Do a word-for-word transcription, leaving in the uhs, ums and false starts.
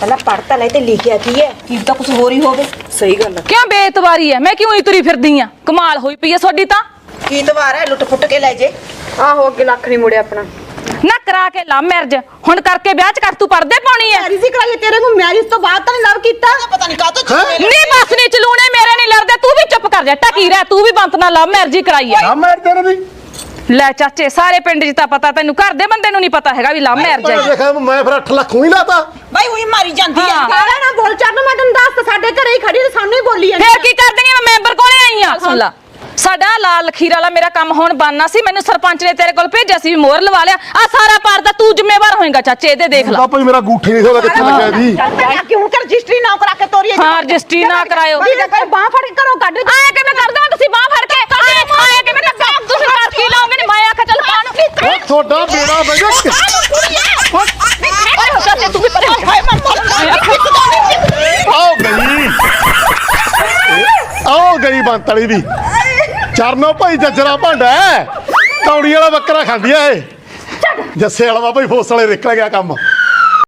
ਪਹਿਲਾਂ ਪੜਤਾ ਲੈ ਤੇ ਲਿਖਿਆ ਕੀ ਹੈ ਕੀ ਤਾਂ ਕੁਝ ਹੋਰ ਹੀ ਹੋਵੇ। ਸਹੀ ਗੱਲ ਹੈ। ਕਿਉਂ ਬੇਇਤਬਾਰੀ ਹੈ? ਮੈਂ ਕਿਉਂ ਹੀ ਤੁਰੀ ਫਿਰਦੀ ਆ? ਕਮਾਲ ਹੋਈ ਪਈ ਐ ਤੁਹਾਡੀ ਤਾਂ। ਕੀ ਤਵਾਰ ਹੈ ਲੁੱਟ ਫੁੱਟ ਕੇ ਲੈ ਜੇ। ਆਹੋ ਅੱਗੇ ਲੱਖ ਨਹੀਂ ਮੁੜਿਆ ਆਪਣਾ। ਨਾ ਕਰਾ ਕੇ ਲਾ ਮੈਰਿਜ ਹੁਣ ਕਰਕੇ ਵਿਆਹ ਚ ਕਰ ਤੂੰ ਪਰਦੇ ਪਾਉਣੀ ਐ। ਮੈਰਿਜ ਹੀ ਕਰਾਈ ਤੇਰੇ ਨੂੰ ਮੈਰਿਜ ਤੋਂ ਬਾਅਦ ਤਾਂ ਨਹੀਂ ਲਵ ਕੀਤਾ। ਪਤਾ ਨਹੀਂ ਕਾਹ ਤੋਂ ਨਹੀਂ ਬਸ ਨਹੀਂ ਚਲੂਣੇ ਮੇਰੇ ਨਹੀਂ ਲੜਦੇ। ਤੂੰ ਵੀ ਚੁੱਪ ਕਰ ਜਾ ਟਕੀ ਰਹਿ। ਤੂੰ ਵੀ ਬੰਤ ਨਾਲ ਲਵ ਮੈਰਿਜ ਹੀ ਕਰਾਈ ਐ। ਆ ਮੈਂ ਤੇਰੇ ਦੀ ਲੈ ਚਾਚੇ ਸਾਰੇ ਪਿੰਡ 'ਚ ਤਾਂ ਪਤਾ ਤੈਨੂੰ ਘਰ ਦੇ ਬੰਦੇ ਨੂੰ ਨਹੀਂ ਪਤਾ ਹੈਗਾ ਵੀ ਲਵ ਮੈਰਿਜ ਮੈਂ ਹੈ। ਦੇਖਾਂ ਮੈਂ ਫਿਰ ਅੱਠ ਲੱਖ ਹੀ ਲਾਤਾ। ਬਾਈ ਉਹੀ ਮਾਰੀ ਜਾਂਦੀ ਹੈ। ਹਾਂ। ਕਿਹੜਾ ਨਾ ਬੋਲ ਚੱਲ ਮੈਂ ਤੈਨੂੰ ਦੱਸ ਸਾਡੇ ਘਰੇ ਹੀ ਖੜੀ ਤੇ ਸਾਨੂੰ ਹੀ ਬੋਲੀ ਜਾਂਦੀ। ਫੇਰ ਕੀ ਕਰ ਦੇਂਗੀ? ਮੈਂ ਮੈਂਬਰ ਕੋਲੇ ਆਈ ਆ। ਸੁਣ ਲਾ ਸਾਡਾ ਲਾਲ ਲਖੀਰ ਵਾਲਾ ਮੇਰਾ ਕੰਮ ਹੁਣ ਬਣਨਾ ਸੀ। ਮੈਨੂੰ ਸਰਪੰਚ ਨੇ ਤੇਰੇ ਕੋਲ ਭੇਜਿਆ ਸੀ ਵੀ ਮੋਹਰ ਲਵਾ ਲਿਆ। ਆ ਸਾਰਾ ਪਾਰ ਦਾ ਤੂੰ ਜ਼ਿੰਮੇਵਾਰ ਹੋਏਗਾ ਚਾਚੇ। ਇਹਦੇ ਦੇਖ ਲਾ ਤਾਂ ਭਾਈ ਮੇਰਾ ਗੂਠੀ ਨਹੀਂ ਹੋਗਾ ਕਿੱਥੇ ਲੱਗਿਆ ਜੀ। ਕਿਉਂ ਕਰ ਰਜਿਸਟਰੀ ਨਾ ਕਰਾ ਕੇ ਤੋਰੀ ਹਾਂ ਰਜਿਸਟਰੀ ਨਾ ਕਰਾਇਓ। ਬਾਹ ਫੜ ਕੇ ਘਰੋਂ ਕੱਢ ਆਏ ਕਿਵੇਂ ਕਰ ਦਵਾਂ ਤੁਸੀਂ ਬਾਹ ਫੜ ਕੇ? ਆਏ ਆਏ ਕਿਵੇਂ ਕਰ ਤੁਸੀਂ ਕਰ ਕੀ ਲਾਓਗੇ? ਨਹੀਂ ਮੈਂ ਆਖਿਆ ਚੱਲ ਪਾਣ ਉਹ ਤੁਹਾਡਾ ਬੇੜਾ ਬਜਾ ਚਾਚੇ ਤੂੰ ਵੀ ਪਰੇ ਆਓ ਗਈ ਆਓ ਗਈ ਬੰਤ ਵਾਲੀ ਵੀ। ਚਰਨੋ ਭਾਈ ਜੱਜਰਾ ਭਾਂਡਾ ਹੈ। ਕੌੜੀ ਵਾਲਾ ਬੱਕਰਾ ਖਾਂਦੀ ਐ ਇਹ। ਜੱਸੇ ਵਾਲਾ ਭਾਈ ਫੋਸ ਵਾਲੇ ਨਿਕਲ ਗਿਆ ਕੰਮ।